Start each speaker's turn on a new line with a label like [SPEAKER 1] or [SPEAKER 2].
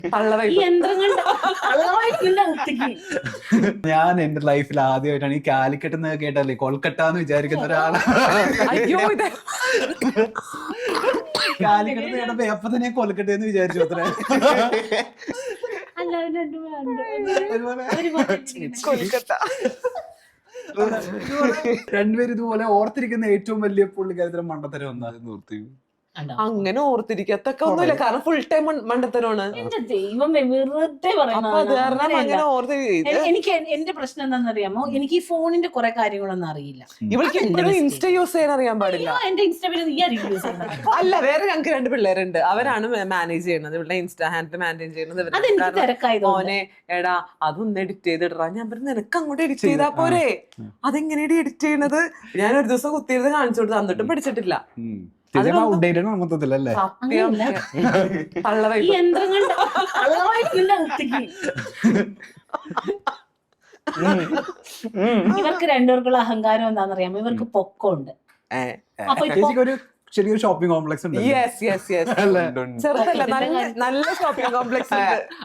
[SPEAKER 1] ഈ യന്ത്രങ്ങളുടെ കള്ളമായിട്ടില്ല കുട്ടിക്ക്.
[SPEAKER 2] ഞാൻ എന്റെ ലൈഫിൽ ആദ്യമായിട്ടാണ് ഈ കാലിക്കട്ട് എന്ന് കേട്ടല്ലേ കൊൽക്കട്ട എന്ന് വിചാരിക്കുന്ന ഒരാളാണ്.
[SPEAKER 1] അയ്യോ ഇത്
[SPEAKER 2] കാലിക്കട്ട് എന്ന് കേട്ടപ്പോ എപ്പൊ തന്നെ കൊൽക്കട്ട എന്ന് വിചാരിച്ചു അത്ര.
[SPEAKER 1] അല്ല രണ്ടും
[SPEAKER 3] കൊൽക്കത്ത.
[SPEAKER 2] രണ്ടുപേരും ഇതുപോലെ ഓർത്തിരിക്കുന്ന ഏറ്റവും വലിയ പുള്ളിക്കാരത്തിന് മണ്ടത്തരം ഒന്നാണ്.
[SPEAKER 3] അങ്ങനെ ഓർത്തിരിക്കത്തൊക്കെ ഒന്നുമില്ല, കാരണം ഫുൾ ടൈം മണ്ടത്തരമാണ്.
[SPEAKER 1] എന്റെ ദൈവമേ, വെറുതെ
[SPEAKER 3] അപ്പൊ അത് കാരണം അങ്ങനെ
[SPEAKER 1] എനിക്ക് എന്റെ പ്രശ്നം എന്താണെന്നറിയാമോ, എനിക്ക് ഈ ഫോണിന്റെ കുറെ കാര്യങ്ങളൊന്നും അറിയില്ല.
[SPEAKER 3] ഇവൾക്ക് എപ്പോഴും ഇൻസ്റ്റ യൂസ് ചെയ്യാൻ അറിയാൻ പാടില്ല.
[SPEAKER 1] എന്റെ ഇൻസ്റ്റാഗ്രാമിൽ നീ ആയിരിക്കും യൂസ് ചെയ്യുന്നത്.
[SPEAKER 3] അല്ല, വേറെ ഞങ്ങൾക്ക് 2 പിള്ളേരുണ്ട്, അവരാണ് മാനേജ് ചെയ്യുന്നത്, ഇവളുടെ ഇൻസ്റ്റാ ഹാൻഡിൽ മാനേജ് ചെയ്യുന്നത്.
[SPEAKER 1] അതെനിക്ക് തിരക്കായതുകൊണ്ട്.
[SPEAKER 3] മോനെ എടാ അതൊന്ന് എഡിറ്റ് ചെയ്തിടാ. ഞാൻ പറഞ്ഞു നിനക്ക് അങ്ങോട്ട് എഡിറ്റ് ചെയ്താ പോരെ, അതെങ്ങനെയാണ് എഡിറ്റ് ചെയ്യണത്? ഞാൻ ഒരു ദിവസം കുത്തിയത് കാണിച്ചു കൊടുത്തു, എന്നിട്ടും പഠിച്ചിട്ടില്ല.
[SPEAKER 2] മൊത്തത്തിലല്ലേ
[SPEAKER 3] സത്യം
[SPEAKER 1] ഈ യന്ത്രങ്ങളുടെ കള്ളമായിട്ടില്ല കുട്ടിക്ക്. ഇവർക്ക് രണ്ടുപേർക്കുള്ള അഹങ്കാരം എന്താണെന്നറിയാമോ, ഇവർക്ക് പൊക്കമുണ്ട്. അപ്പൊ
[SPEAKER 2] ഒരു ചെറിയൊരു ഷോപ്പിംഗ് കോംപ്ലക്സ് ഉണ്ട്.
[SPEAKER 3] ചെറുതല്ല, നല്ല ഷോപ്പിംഗ് കോംപ്ലക്സ് ഉണ്ട്.